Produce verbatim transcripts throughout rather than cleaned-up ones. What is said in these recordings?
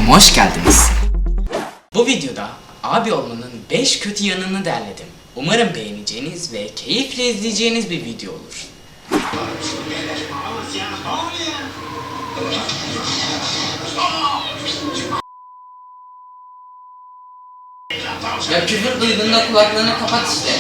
kanalıma hoş geldiniz. Bu videoda abi olmanın beş kötü yanını derledim. Umarım beğeneceğiniz ve keyifle izleyeceğiniz bir video olur. Ya küfür duyduğunda kulaklarını kapat işte.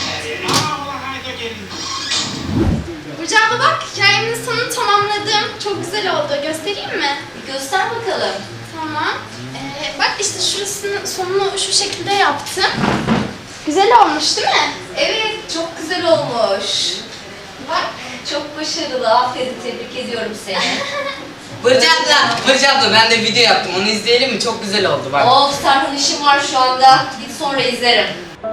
Burcu abla bak, hikayemin sonunu tamamladım. Çok güzel oldu. Göstereyim mi? Göster bakalım. Tamam. Ee, bak işte şurasının sonunu şu şekilde yaptım. Güzel olmuş değil mi? Evet, çok güzel olmuş. Bak. Çok başarılı. Aferin, tebrik ediyorum seni. Burcu abla, Burcu abla ben de video yaptım. Onu izleyelim mi? Çok güzel oldu bak. Of, Serhan işim var şu anda. Git sonra izlerim.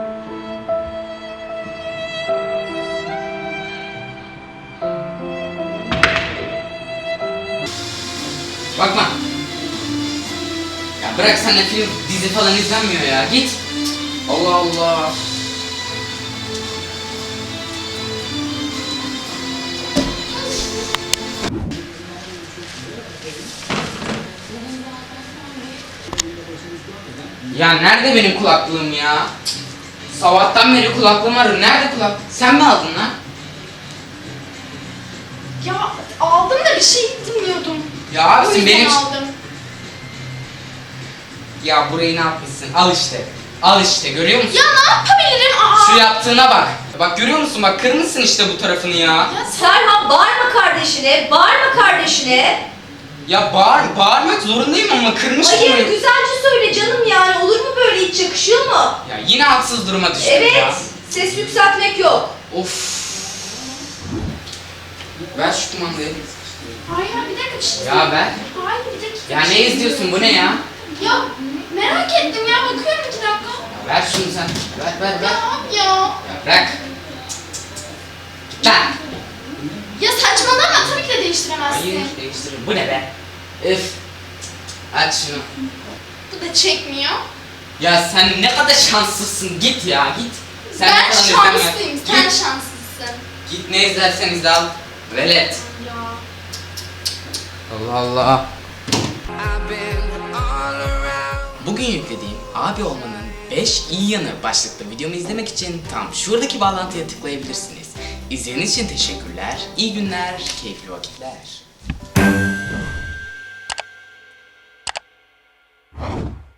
Bakma. Ya bırak, sen de film, dizi falan izlenmiyor ya. Git. Allah Allah. Ya nerede benim kulaklığım ya? Sabahtan beri kulaklığım arıyor. Nerede kulak? Sen mi aldın lan? Ya aldım da bir şey dinliyordum. Ya O abisin yüzden benim... aldım. Ya burayı ne yapmışsın? Al işte. Al işte, görüyor musun? Ya ne yapabilirim? Aa. Şu yaptığına bak. Bak görüyor musun? Bak kırmışsın işte bu tarafını ya. Ya sen... Serhan, bağırma kardeşine, bağırma kardeşine. Ya bağır, bağırmak zorundayım ama kırmışım Hayır, burayı. güzelce söyle canım yani. Olur mu böyle, hiç yakışıyor mu? Ya yine haksız duruma düştüm Evet, ya. ses yükseltmek yok. Of. Ver şu kumandayı. Hayır bir dakika bir şey Ya ver. Hayır bir dakika. Ya bir ne şey izliyorsun, bu ne ya? Ya merak ettim ya, bakıyorum iki dakika. Ya ver şunu sen. Ver ver ver. Ya abi ya. Ya bırak. Git lan. Ya saçmalama, tabii ki de değiştiremezsin. Hayır değiştirin. Bu ne be? Öf. Aç şunu. Bu da çekmiyor. Ya sen ne kadar şanslısın. Git ya git. Sen ben falan izleme. şanslıyım, Git. sen şanslısın. Git, ne izlersen izle, al. Velet. Ya. Allah Allah. Bugün yüklediğim abi olmanın beş iyi yanı başlıklı videomu izlemek için tam şuradaki bağlantıya tıklayabilirsiniz. İzlediğiniz için teşekkürler, iyi günler, keyifli vakitler.